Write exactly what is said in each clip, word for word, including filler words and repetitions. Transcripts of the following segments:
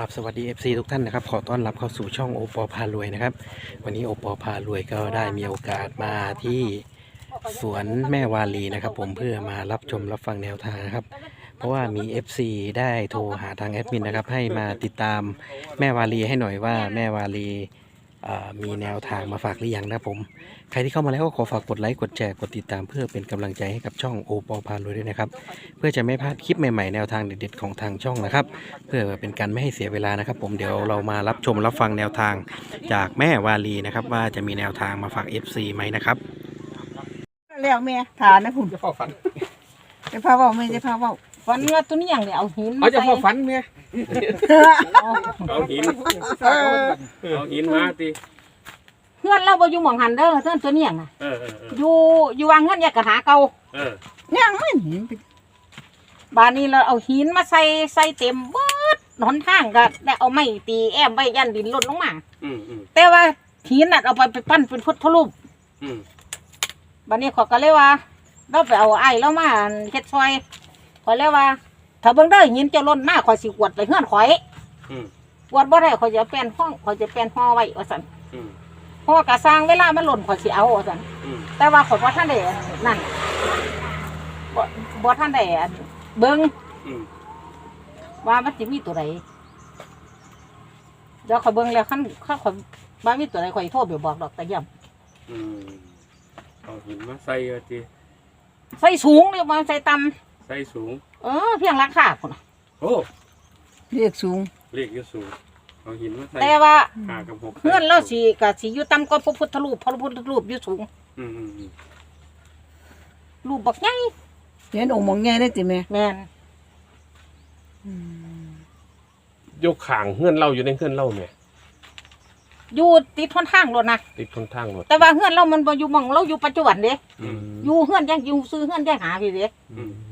ครับสวัสดี เอฟ ซี ทุกท่านนะครับขอต้อนรับเข้าสู่ช่องโอปอพารวยนะครับวันนี้โอปอพารวยก็ได้มีโอกาสมาที่สวนแม่วาลีนะครับผมเพื่อมารับชมรับฟังแนวทางนะครับเพราะว่ามี เอฟ ซี ได้โทรหาทางแอดมินนะครับให้มาติดตามแม่วาลีให้หน่อยว่าแม่วาลีมีแนวทางมาฝากหรือยังนะผมใครที่เข้ามาแล้วก็ขอฝากกดไลค์กดแชร์กดติดตามเพื่อเป็นกำลังใจให้กับช่องโอปอพารวยด้วยนะครับเพื่อจะไม่พลาดคลิปใหม่ๆแนวทางเด็ดๆของทางช่องนะครับเพื่อเป็นการไม่ให้เสียเวลานะครับผมเดี๋ยวเรามารับชมรับฟังแนวทางจากแม่วาลีนะครับว่าจะมีแนวทางมาฝาก เอฟ ซี ไหมนะครับแล้วแม่ฐานนะคุณจะเฝ้าฝันจะพาเว่าไม่จะพาเว่าฝันว่าตัวนี้อย่างเดียวเอาหินเอามาจะใส่เฝ้าฝันเมียเอาหินเออเอาหินมาติเพื่อนเราบ่อยู่หม่องหันเด้อเพื่อนตัวนี้อย่างน่ะเออเออเอออยู่อยู่วางเงินแยกกระหาเก่าเออยังไม่เห็นบานนี้เราเอาหินมาใส่ใส่เต็มเบิดหนทางก็ได้เอาไม้ตีแอมไว้ยันดินหล่นลงมาอืมอืมแต่ว่าหินน่ะเอาไปไปปั้นเป็นพุทธรูปอืมบานนี้เขาก็เลยว่าเราไปเอาไอ้แล้วมาเฮ็ดซอยขอยเลยว่าถ้าเบิ่งเด้อหินจะหล่นมาขอยสิกวดไปเฮือนข่อยอืมกวดบ่ได้ขอยจะแปลนห้องขอยจะแปลนห่อไว้ว่าซั่นอืมห่อกะสร้างเวลามันหล่นขอยสิเอาว่าซั่นอืมแต่ว่าขอยบ่ทันได้นั่นบ่บ่ทันได้อันเบิ่งอืมว่ามันสิมีตัวใดเดี๋ยวขอยเบิ่งแล้วคันคันขอยว่ามีตัวใดขอยโทรไปบอกดอกแต่ย่ำอืมเอาหินมาใส่เอาติใส่สูงนี่บ่ใส่ต่ำใส่สูงเออเพียงราคาพุ่นน่ะโอ้เรียกสูงเลขอยู่สูงเอาหินมาใส่แต่ว่าห้ากับหกเฮือนเราสิก็สิอยู่ต่ำกว่าพระพุทธรูปพระพุทธรูปอยู่สูงอืมอืมอืมรูปบักใหญ่เห็นองค์มองแง่ได้จิแม่แม่นยกขางเฮือนเราอยู่ในเฮือนเราแม่อยู่ติดทนทางรถนะติดคนทางรถแต่ว่าเฮือนเรามันบ่อยู่หม่องเราอยู่ปัจจุบันเด้อืมอยู่เฮือนยังอยู่ซื้อเฮือนยังหาพี่เด้อืม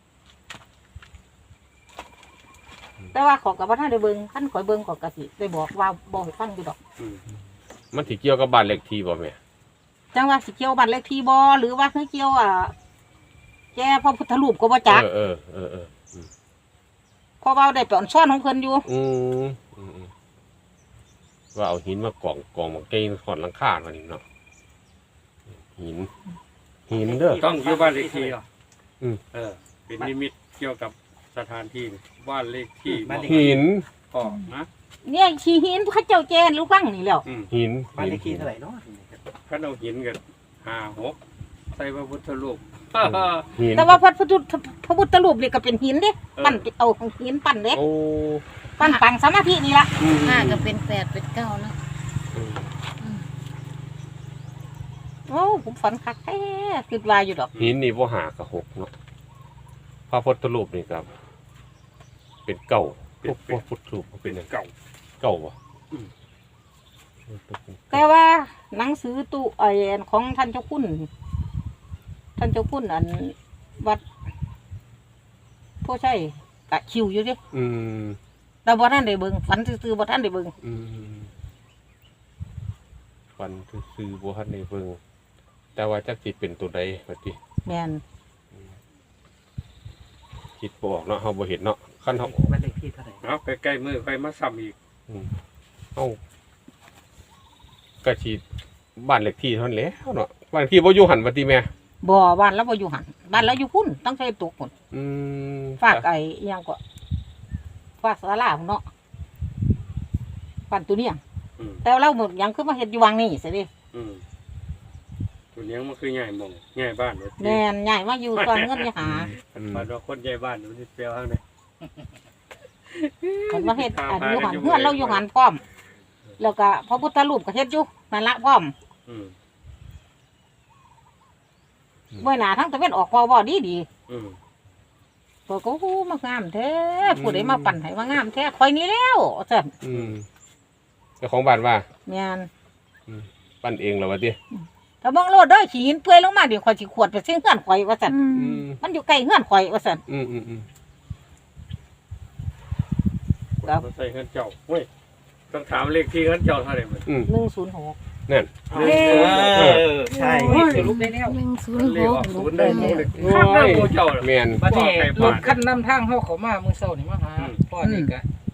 แต่ว่าเขอกับว่าท่านได้เบิ่งท่านขอยเบิ่งเขอกะสิได้บอกว่าบอกให้ฟังอยู่ดอกอืมมันสิเกี่ยวกับบ้านเลขที่บ่แม่จังว่าสิเกี่ยวบัตรเลขที่บ่หรือว่าคือเกี่ยวอ่ะแกพระพุทธรูปก็บ่จักเออเออเออเออเพราะว่าได้ไปอ่อนซ่อนของเพิ่นอยู่อืมอืมอืมว่าเอาหินมากองกองมาเกยขอดหลังคามานี่เนาะหินหินเด้อต้องอยู่บ้านเลขที่เหรออืมเออเป็นนิมิตเกี่ยวกับสถานที่บ้านเลขที่หินออกนะเนี่ยขี้หินพระเจ้าแจนรู้ฟังนี่แหล้วอืมหินบ้านเลขที่เท่าไหร่เนาะขันเอาหินกันห้าหกใส่พระพุทธรูปหินแต่ว่าพระพุทธพระพุทธรูปนี่ก็เป็นหินเด้เออปั้นเอาหินปั้นเด้โอ้ปั้นปังสมาธินี่ล่ะอืมห้าก็เป็นแปดเป็นเก้าเนาะโอ้ผมฝันคักแท้คิดว่าอยู่ดอกหินนี่บ่หากับหกเนาะพระพุทธรูปนี่ครับเป็นเก่าพวกพวกพุทธรูปมันเป็นหยังเก่าเก่าบ่อืมแต่ว่าหนังสือตู้ไอ้ของท่านเจ้าคุณท่านเจ้าคุณอันวัดผู้ใช่กะคิวอยู่เดิอืมแต่บ่ท่านได้เบิ่งฝันซื่อๆบ่ท่านได้เบิ่งอืมฟันซื้อๆบัวฮันในเบิงแต่ว่าจักจิตเป็นตัวใดบัดนี้แม่นคิดบออกเนาะเฮาบ่เห็นเนาะคันเฮาบ้านเลขที่เท่าไหร่เอาใกล้ๆมือไปมาซ้ำอีกอืมเฮากะสิบ้านเลขที่เท่านั้นแหล้วเนาะบ้านเลขที่บ่อยู่หันบัดนี้แม่บ่บ้านเราบ่อยู่หันบ้านเราอยู่พุ่นต้องใช้ตุกพุ่นอืมฝากไอ้อิหยังก็ฝากศาลาพุ่นเนาะบ้านตัวเนี้ยอืมแต่ว่าเราหมดหยังคือมาเฮ็ดอยู่วังนี่สิเด้อืมตัวเลี้ยงมันคือใหญ่หมองใหญ่บ้านเลยแม่นใหญ่มาอยู่ตอนเงินอย่าหาอืมมันว่าคนใหญ่บ้านมันจะเปรี้ยวข้างในเพิ่นมาเฮ็ดอันอยู่หันเฮือนเราอยู่หันพร้อม แล้วก็พระพุทธรูปก็เฮ็ดอยู่นั่นละพร้อมอืมเมื่อหน้าทั้งตะเวนออกพอบ่ดีดีอืมๆเพิ่นก็โอ้มางามแท้ผู้ใดมาปั่นให้ว่างามแท้ข่อยนี่แล้วซั่นอืมเจ้าของบ้านว่าแม่นปั้นเองเหรอวะติถ้าเบิ่งโลดเด้อขี้หินเปื่อยลงมาเดี๋ยวข่อยสิขวดไปซื้อเฮือนข่อยว่าซั่นอืมมันอยู่ใกล้เฮือนข่อยว่าซั่นอืมอืมอืมครับใส่เงินเจ้าเว้ยต้องถามเลขที่เงินเจ้าเท่าไหร่มันอืมหนึ่งศูนย์หกนั่นเออใช่สรุปได้แล้วหนึ่งศูนมันย์เลหขกออกศูนย์ได้หมดเลยข้ามเรื่องโมเจ้าเลยแม่นบัดนี้รถขั้นนำทางเขาเขามามือเศร้านี่มาหาอืมพ่อนี่ก็หนึ่งหก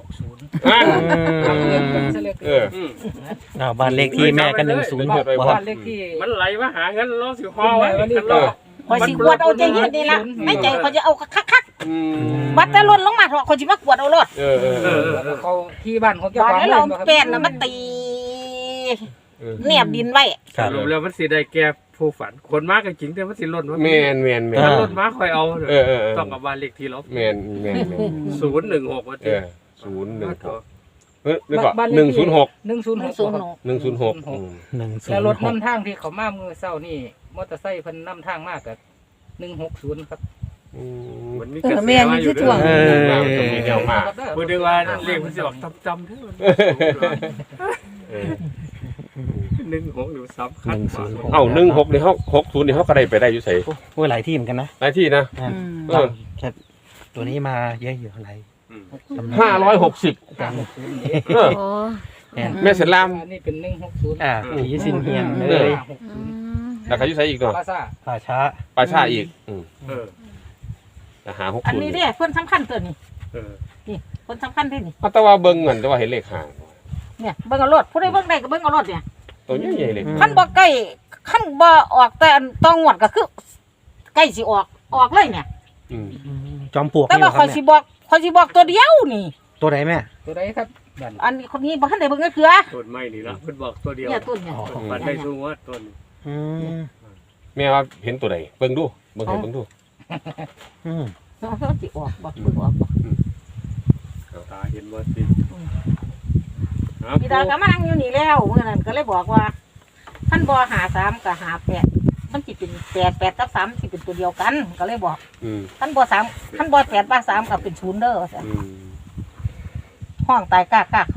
ศูนย์อ่าเอออืมอ้าวบ้านเลขที่แม่ก็หนึ่งศูนย์หกบ้านครับเลขที่มันไหลมาหากันล้อสิฮอไว้กันล้อคอยสิกวดเอาใจเย็นนี่ละในใจเขาจะเอาคักอืมๆบัดแต่ล้นลงมาเถอะเขาสิมากวดเอารถเออเออเออเขาที่บ้านของเจ้าบาดของแล้วเราแป้นน่ะมันตีเออแนบดินไว้ครับรวมแล้วมันสิได้แก่ผู้ฝันคนมากก็จริงแต่มันสิล้นว่าแมนแมนแมนถ้าล้นมาค่อยเอาเออเออเออต้องกับบ้านเลขที่เราแมนแมนแมนศูนย์หนึ่งหกว่าเอติอศูนย์หนึ่งหกเฮ้ยนี่ก่อนบ้านเลขหนึ่งศูนย์หกหนึ่งศูนย์หกศูนย์หกหนึ่งศูนย์หกหนึ่งศูนแล้วย์รถหกนำทางที่เขามามือเศร้านี่มอเตอร์ไซค์เพิ่นนำทางมากกับหนึ่งหกศูนย์ครับมันมีเอกระอแสแม่มานี่อคืยู่อเด้ถ่วงอเออจะมีแนวมากพูดได้ว่าเลขมันสิออกจำๆเด้อเออหนึ่งหกอยู่ซ้ำคัหญนึ่งศูนย์หกเอ้าหนึ่งหกนี่เขาหกศูนย์นี่เขาก็ได้ไปได้อยู่ใส่โอ้ยหลายที่เหมือนกันนะหลายที่นะอ่าอืมเออแค่ตัวนี้มาเยอะอยู่อะไรห้าร้อยหกสิบเออโอ้เนี่ยแม่เสลามอันนี้เป็นหนึ่งหกศูนย์อ่าผีสินเฮียนเอเลอยอืมแล้วใครอยู่ใส่อีกเนาะปาซ่าป่าช้าปลาชาอีกอืมเออแต่หาหกอันศูนย์นี้เด้เพิ่นสำคัญตัวนี้เออเพิ่นสำคัญเด้นี่เอาแต่ว่าเบิ่งเงินแต่ว่าเห็นเลขห่างเนี่ยเบิ่งเอารถผู้ใดเบิ่งได้ก็เบิ่งเอารถเนี่ยตัวใหญ่ๆเลยคันบ่ใกล้คันบ่ออกแต่อันต้องงวดก็คือใกล้สิออกออกเลยเนี่ยอืมจอมปลวกแต่นี่เหรว่าอคข่รัอบ ยสิเนี่ยบอกข่อยสิบอกตัวเดียวนี่ตัวไหนแม่ตัวใดครับบ้านอันนี้คนนี้บ่ทันได้เบิ่งเลยเถือต้นไม้นี่ละเพิ่นบอกตัวเดียวเนี่ยต้นเนี่ยอ๋อฝันได้สู้ว่าต้นอืมแม่ว่าเห็นตัวใดเบิ่งดูเบิ่งให้เบิ่งดูอืมเนาะสิออกบ่เบิ่งออกบ่ตาเห็นว่าสิครับพี่ดาก็มานั่งอยู่นี่แล้วเมื่อนั้นก็เลยบอกว่าคันบ่หาสามก็หาแปดมันสิเป็นแปดแปดกับสามสิเป็นตัวเดียวกัน ก็เลยบอกอืมคันบ่สามคันบ่แปดบ่สามก็เป็นศูนย์เด้อว่าซั่นอืมห้องตายกล้ากล้าเขา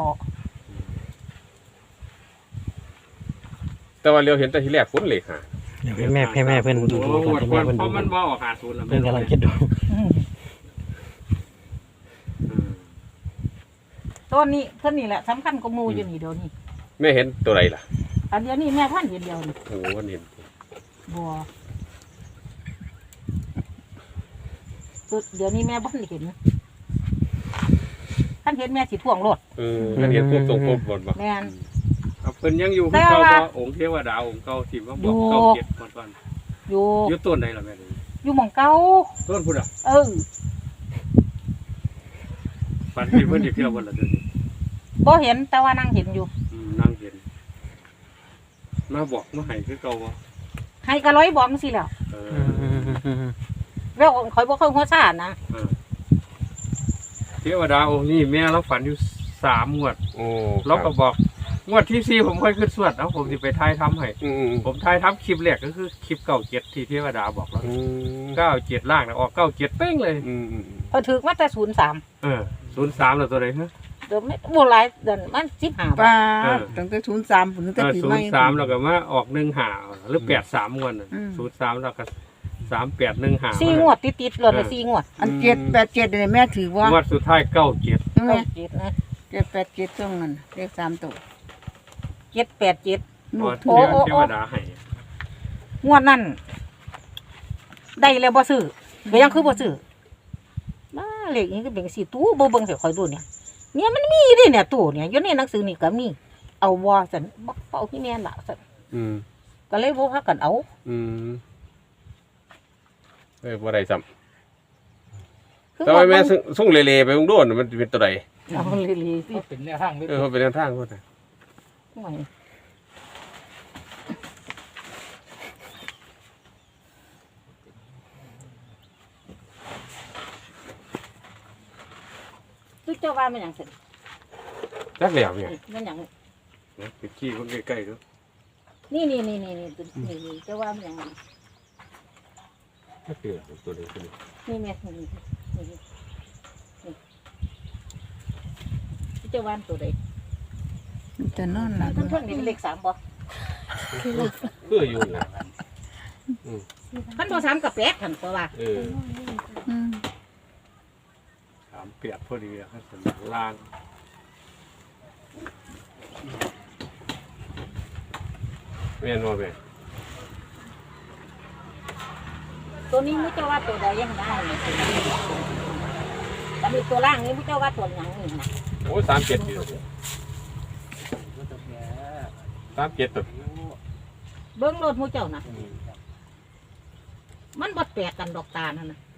แต่ว่าเรียวเห็นแต่ทีแรกคนเลขห่างเดี๋ยวให้แม่ให้แม่เพื่อนดูโอ้ดูโหก่อนให้แม่เพื่อนเพดูราะมันบ่ออกหาศูนย์แล้วเพื่อนกำลังคิดดูอืมอืมตัวนี้เพิ่นนี่แหละสำคัญกว่าหมู่อยู่นี่เดี๋ยวนี้แม่เห็นตัวใดล่ะอันเดียวนี้แม่ท่านเห็นเดียวนี่โอ้โหมันเห็นบัวตัวเดี๋ยวนี้แม่บ่ทันเห็นท่านเห็นแม่สิท่วงรถเออมันเห็นปุ๊บตรงปุ๊บบนบ่แม่นเอาเพิ่นยังอยู่คือเก่าบ่องค์เทวดาองค์เก่าที่มาบอกเก่าเก็บก่อนอยู่ๆอยู่ต้นไหนล่ะแม่นี่อยู่หม่องเก่าต้นพุ่นอ่ะเออฝันที่เพิ่นสิเที่ยวบ่ล่ะเดี๋ยวนี้บ่เห็นแต่ว่านั่งเห็นอยู่อืมนั่งเห็นมาบอกมาให้คือเก่าบ่ให้กะร้อยบอกจังซี่แหล้วเออือมอืมอืมอืมแล้วข่อยบ่เคยหัวซ่านะเออเทวดาองค์นี้แม่เราฝันอยู่สามงวดโอ้เราก็บอกงวดที่สี่ผมค่อยขึ้นสวดเอาผมสิไปทายทำให้อืมอืมผมทายทำคลิปแรกก็คือคลิปเก้าเจ็ดที่เทวดาบอกแล้วอืมเก้าเจ็ดล่างนะออกเก้าเจ็ดเป้งเลยอืมอืมพอยถึกมาแต่ศูนย์สามเออศูนย์สามแล้วตัวไหนฮะเดี๋ยวไม่บ่หลายเดือนมันสิบห้าปลาเออตั้งแต่ศูนย์สามถึงเอแต่อปีศูใหนม่ย์สามแล้วก็มาออกหนึ่งหาหรือแปดสามงวดอืมศูนย์สามแล้วก็สามแปดหนึ่งหาสี่งวดติดๆเลยสี่งวดอันเจ็ดแปดเจ็ดเนี่ยแม่ถือว่างวดสุดท้ายเก้าเจ็ดใช่ไหมเก้าเจ็ดนะเจ็ดแปดเจ็ดช่วงนั้นเลขสามตัวเจ็ดแปดเจ็ดลูกเทถูกวเทวดาให้งวดนั้นได้แล้วบ่ซื้อก็ยังคือบ่ซื้อมาเลขนี้ก็เป็นสี่ตู้บ่เบิ่งใส่ข่อยดูเนี่ยเนี่ยมันมีดิเนี่ยตู้เนี่ยอยู่ในหนังสือนี่ก็มี เอาว่าซั่นบ่เอาที่แม่นล่ะซั่นอืมก็เลยบ่พากันเอาอืมเอ้ยบ่ได้ซ้ำคือแต่ว่าแม่ส่งส่งเละๆไปเบิ่งดูน่ะมันเป็นตัวใดเอาเลยๆสิก็เป็นแนวทางเลยเออเขาเป็นแนวทางพุ่นน่ะห่วยคือเจ้าว่ามันหยังซั่นจักแล้วเนี่ยมันหยังนะไปขี้คนใกล้ๆดูนี่นี่นี่นี่นี่ตัวนี่นี่เจ้าว่ามันหยังจักเดือตัวใดตัวนี้นี่แม่นี่นี่นี่นี่เจ้าว่าตัวใดจะนอนหลับเพิ่นๆนี่เป็นเลขสามบ่คืออยู่น่ะคันบ่สามกับแปดหั่นเพราะว่าเอออืมสามเปียกพอดีอะครับสมล่างแม่นบ่แม่ตัวนี้ไม่เจ้าว่าตัวใดยังได้เนี่ยแต่มีตัวล่างนี่ผู้เจ้าว่าตัวหยังนี่นะโอ้สามเจ็ดอยู่สามเจ็ดตัวเบิ้งรถผู้เจ้านะมันบ่แปลกกันดอกตานั่นนะ